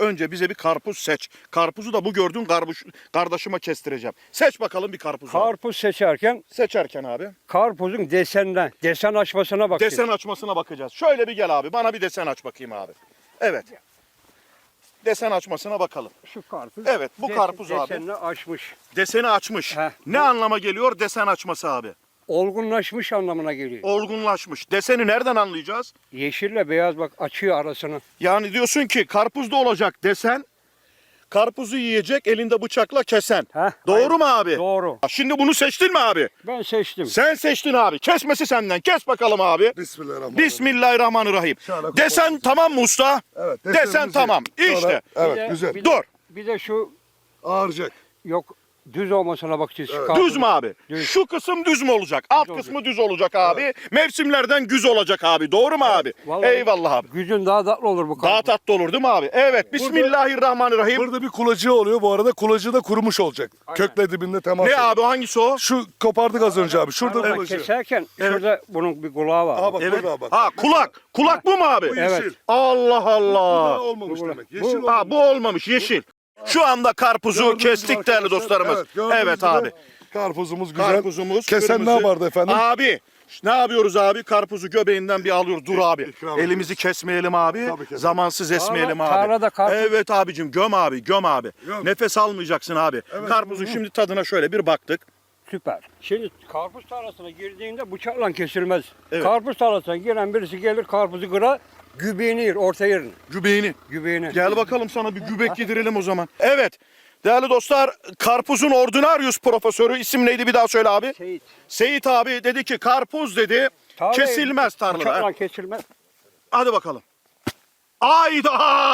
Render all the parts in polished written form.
önce bize bir karpuz seç. Karpuzu da bu gördüğün kardeşime kestireceğim. Seç bakalım bir karpuz. Karpuz Seçerken abi. karpuzun desen açmasına bakacağız. Desen açmasına bakacağız. Şöyle bir gel abi. Bana bir desen aç bakayım abi. Evet. Desen açmasına bakalım. Şu karpuz. Evet, bu karpuz abi. Desenini açmış. Deseni açmış. Heh. Ne anlama geliyor desen açması abi? Olgunlaşmış anlamına geliyor. Olgunlaşmış. Deseni nereden anlayacağız? Yeşille beyaz bak açıyor arasını. Yani diyorsun ki karpuzda olacak desen, karpuzu yiyecek elinde bıçakla kesen. Heh, Doğru mu abi? Doğru. Şimdi bunu seçtin mi abi? Ben seçtim. Sen seçtin abi. Kesmesi senden. Kes bakalım abi. Bismillahirrahmanirrahim. Bismillahirrahmanirrahim. Şöyle Desen koyalım. tamam mı usta? Evet. Desen desenimizi- tamam. İşte. Sonra- Evet Bir de- güzel. bir de- Dur. Bir de şu Ağıracak. yok düz olmasına bakacağız. Şu Evet. karpuzun. Düz mü abi? Düz. Şu kısım düz mü olacak? Alt Düz kısmı düz olacak abi. Mevsimlerden güz olacak abi. Doğru mu abi? Vallahi Eyvallah abi. Gücün daha tatlı olur bu Daha karpuz. tatlı olur değil mi abi? Evet. Bismillahirrahmanirrahim. Burada bir kulacığı oluyor. Bu arada kulacığı da kurumuş olacak. Kökle dibinde temas Ne ediyor. abi hangisi o? Şu kopardık az önce abi. Şurada Arada kulacığı. keserken şurada bunun bir kulağı var. Aha bak Evet. burada bak. Ha kulak. Kulak bu mu abi? Bu Evet. yeşil. Allah Bu daha Allah. olmamış Bu- demek. bu- Yeşil Ha olmamış. bu olmamış yeşil. Şu anda karpuzu Gördüğünüz gibi kestik değerli arkadaşlar, dostlarımız. gördüğünüz Evet gibi abi. Karpuzumuz güzel. Karpuzumuz Kesen kırmızı. ne yapardı efendim? Abi ne yapıyoruz abi? Karpuzu göbeğinden bir alıyoruz. Dur abi. İkram Elimizi kesmeyelim abi. Tabii keselim. Zamansız esmeyelim abi. tarlada karpuz- Evet abicim göm abi göm abi. Göm. Nefes almayacaksın abi. Evet. Karpuzun şimdi tadına şöyle bir baktık. Süper. Şimdi karpuz tarlasına girdiğinde bıçakla kesilmez. Evet. Karpuz tarlasına giren birisi gelir karpuzu kırar, gübeğini yer, orta yerini. Gübeğini. Gübeğini. Gel bakalım sana bir gübek yedirelim o zaman. Evet. Değerli dostlar, karpuzun ordinarius profesörü isim neydi bir daha söyle abi. Seyit. Seyit abi dedi ki karpuz dedi Tarlayı kesilmez tarlada. Bıçakla kesilmez. Hadi bakalım. Ayda!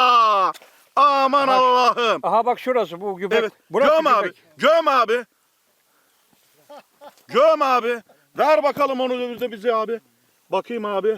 Aman Allah'ım. Aha bak şurası bu gübek. Evet. Burası Göm abi. gübek. Göm abi. Göm abi. Ver bakalım onu da bize abi. Bakayım abi.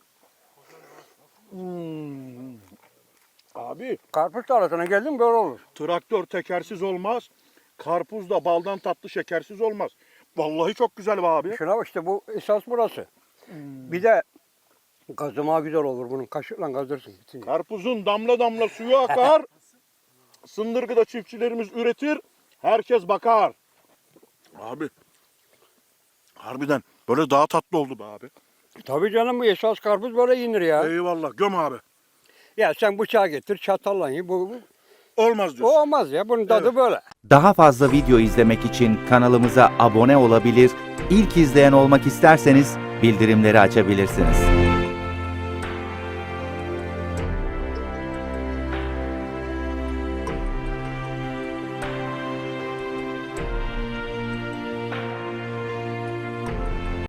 Abi Karpuz tarlasına geldin böyle olur. traktör tekersiz olmaz. Karpuz da baldan tatlı şekersiz olmaz. Vallahi çok güzel be abi. Şuna bak işte bu esas burası. Bir de gazıma güzel olur bunun. Kaşıkla gazdırsın. bitince. Karpuzun damla damla suyu akar. Sındırgıda çiftçilerimiz üretir. Herkes bakar. Abi. Harbiden böyle daha tatlı oldu be abi. Tabii canım bu esas karpuz böyle yenir ya. Eyvallah göm abi. Ya sen bıçağı getir çatalla ye. Bu Olmaz o diyorsun. olmaz ya. Bunun tadı böyle. Daha fazla video izlemek için kanalımıza abone olabilir, ilk izleyen olmak isterseniz bildirimleri açabilirsiniz.